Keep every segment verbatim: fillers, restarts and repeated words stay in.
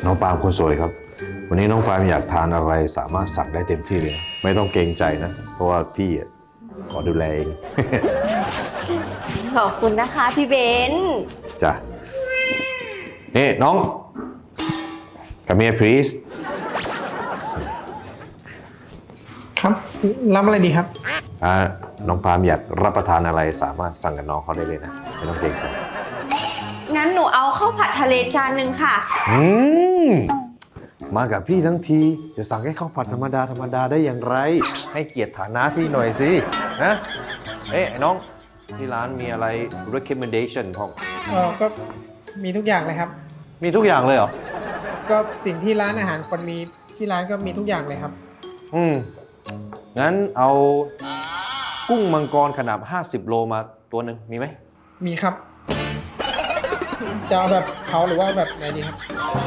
น้องปาล์มคนสวยครับวันนี้น้องปาล์มอยากทานอะไรสามารถสั่งได้เต็มที่เลยไม่ต้องเกรงใจนะเพราะว่าพี่ขอดูแลเองขอบคุณนะคะพี่เบนซ์จ้ะนี่น้อง Come here please ครับรับอะไรดีครับอ่าน้องปาล์มอยากรับประทานอะไรสามารถสั่งกับน้องเขาได้เลยนะไม่ต้องเกรงใจงั้นหนูเอาข้าวผัดทะเลจานหนึ่งค่ะอืมมากับพี่ทั้งทีจะสั่งให้ข้าวผัดธรรมดาธรรมดาได้อย่างไรให้เกียรติฐานะพี่หน่อยสินะเอ๊ะไอ้น้องที่ร้านมีอะไร recommendation ของเออก็มีทุกอย่างเลยครับมีทุกอย่างเลยเหรอก็สิ่งที่ร้านอาหารคนมีที่ร้านก็มีทุกอย่างเลยครับอืมงั้นเอากุ้งมังกรขนาดห้าสิบโลมาตัวหนึ่งมีไหมมีครับจะเอาแบบเขาหรือว่าแบบไหนดีครับ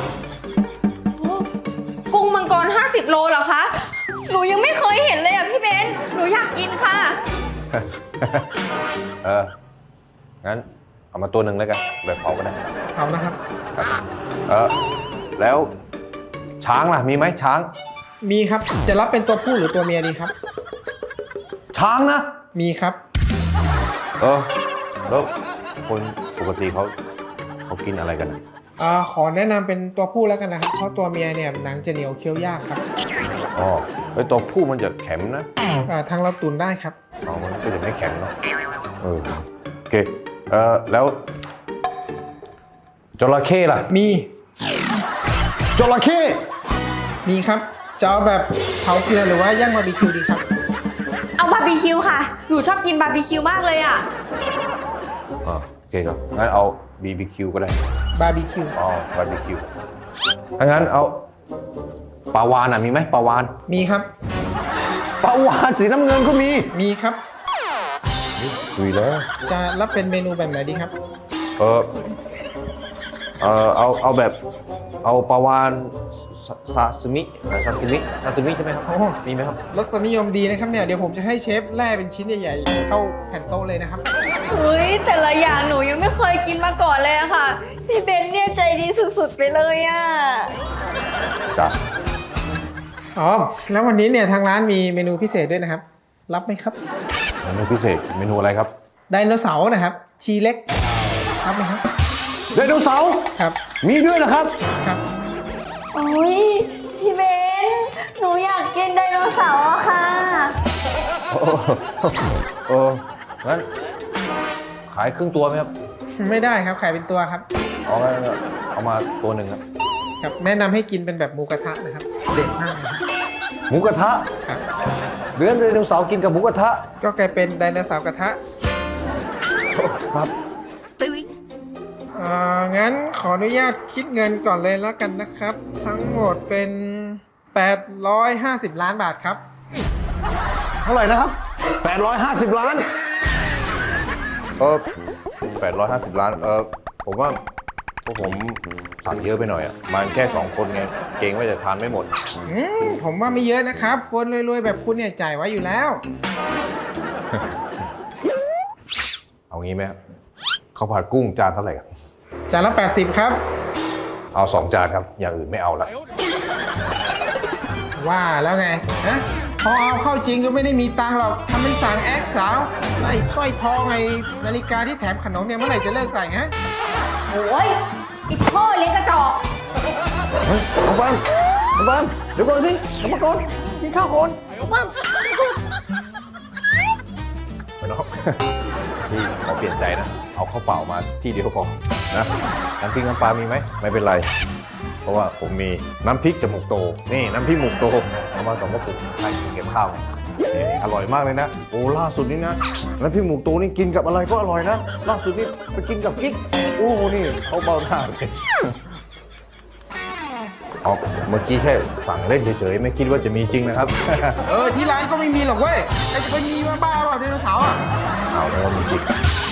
กุ้งมังกรห้าสิบโลเหรอคะหนูยังไม่เคยเห็นเลยอ่ะพี่เบนซ์หนูอยากกินค่ะเอองั้นเอามาตัวหนึ่งแล้วกันแบบเผาก็ได้เผานะครับเออแล้วช้างล่ะมีไหมช้างมีครับจะรับเป็นตัวผู้หรือตัวเมียดีครับช้างนะมีครับเออแล้วคนปกติเขาเขากินอะไรกันอ่าขอแนะนำเป็นตัวผู้แล้วกันนะครับเพราะตัวเมียเนี่ยหนังจะเหนียวเคี้ยวยากครับอ๋อไอตัวผู้มันจะแข็งนะอ่าทางเราตุนได้ครับอ๋อมันก็จะไม่แข็งเนาะเออโอเคเออแล้วจระเข้ล่ะมีจระเข้มีครับจะเอาแบบเผาเกลือหรือว่าย่างบาร์บีคิวดีครับเอาบาร์บีคิวค่ะหนูชอบกินบาร์บีคิวมากเลยอ่ะอ๋อโอเคครับงั้นเอา บี บี คิว ก็ได้บาร์บีคิวอ๋อบาร์บีคิวถ้างั้นเอาปลาวาฬอ่ะมีไหมปลาวาฬมีครับปลาวาฬสีน้ำเงินก็มีมีครับคุยแล้วจะรับเป็นเมนูแบบไหนดีครับเออเออเอาเอาแบบเอาปลาวาฬซาซิมิซาซิมิซาซิมิใช่ไหมครับมีไหมครับรสนิยมดีนะครับเนี่ยเดี๋ยวผมจะให้เชฟแล่เป็นชิ้นใหญ่ๆเข้าแผ่นโต๊ะเลยนะครับเฮ้ยแต่ละอย่างหนูยังไม่เคยกินมาก่อนเลยอะค่ะพี่เบนเนี่ยใจดีสุดๆไปเลยอะจ้ะอ๋อแล้ววันนี้เนี่ยทางร้านมีเมนูพิเศษด้วยนะครับรับไหมครับเมนูพิเศษเมนูอะไรครับไดโนเสาร์นะครับชีเล็กรับไหมครับไดโนเสาร์ครับมีด้วยนะครับครับโอ้ยพี่เบนหนูอยากกินไดโนเสาร์อะค่ะโอ้งั้นขายครึ่งตัวไหมครับไม่ได้ครับขายเป็นตัวครับเอาเอามาตัวหนึ่งครับครับแนะนำให้กินเป็นแบบหมูกระทะนะครับเด็ดมากหมูกระทะครับเรื่องไดโนเสาร์กินกับหมูกระทะก็กลายเป็นไดโนเสาร์กระทะครับอ่างั้นขออนุญาตคิดเงินก่อนเลยแล้วกันนะครับทั้งหมดเป็นแปดร้อยห้าสิบล้านบาทครับเท่าไหร่นะครับแปดร้อยห้าสิบล้านเออแปดร้อยห้าสิบล้านเออผมว่าพวกผมสั่งเยอะไปหน่อยอ่ะมันแค่สองคนไงเกรงว่าจะทานไม่หมดอืมผมว่าไม่เยอะนะครับคนรวยๆแบบคุณเนี่ยจ่ายไว้อยู่แล้วเอางี้ไหมข้าวผัดกุ้งจานเท่าไหร่ครับจานละแปดสิบครับเอาสองจานครับอย่างอื่นไม่เอาละว่าแล้วไงฮะพอเอาเข้าจริงก็ไม่ได้มีตังค์หรอกทำเป็นสั่งแอคสาวไอ้สร้อยทองไอ้นาฬิกาที่แถมขนมเนี่ยเมื่อไหร่จะเลิกใส่ฮะโอ้ยอีกพ่อเลี้ยงกระจอกเฮ้ยน้องปาล์มน้องปาล์มเดี๋ยวก่อนสิกลับมาก่อนกินข้าวก่อนน้องปาล์มไปน้องพี่ขอเปลี่ยนใจนะเอาข้าวเปล่ามาที่เดียวพอนะน้ำพริกน้ำปลามีไหมไม่เป็นไรเพราะว่าผมมีน้ำพริกจมูกโตนี่น้ำพริกหมูกโตเอามาสองกระปุกใช่กินกับข้าวอร่อยมากเลยนะโอ้ล่าสุดนี้นะน้ำพริกหมูกโตนี่กินกับอะไรก็อร่อยนะล่าสุดนี่ไปกินกับกิ๊กโอ้นี่เขาเบาหน้าเลยอ๋อเมื่อกี้แค่สั่งเล่นเฉยๆไม่คิดว่าจะมีจริงนะครับเออที่ร้านก็ไม่มีหรอกเว้ยใครจะไปมีมาบ้าเปล่าไดโนเสาร์อ่ะเอาแล้วมีจริง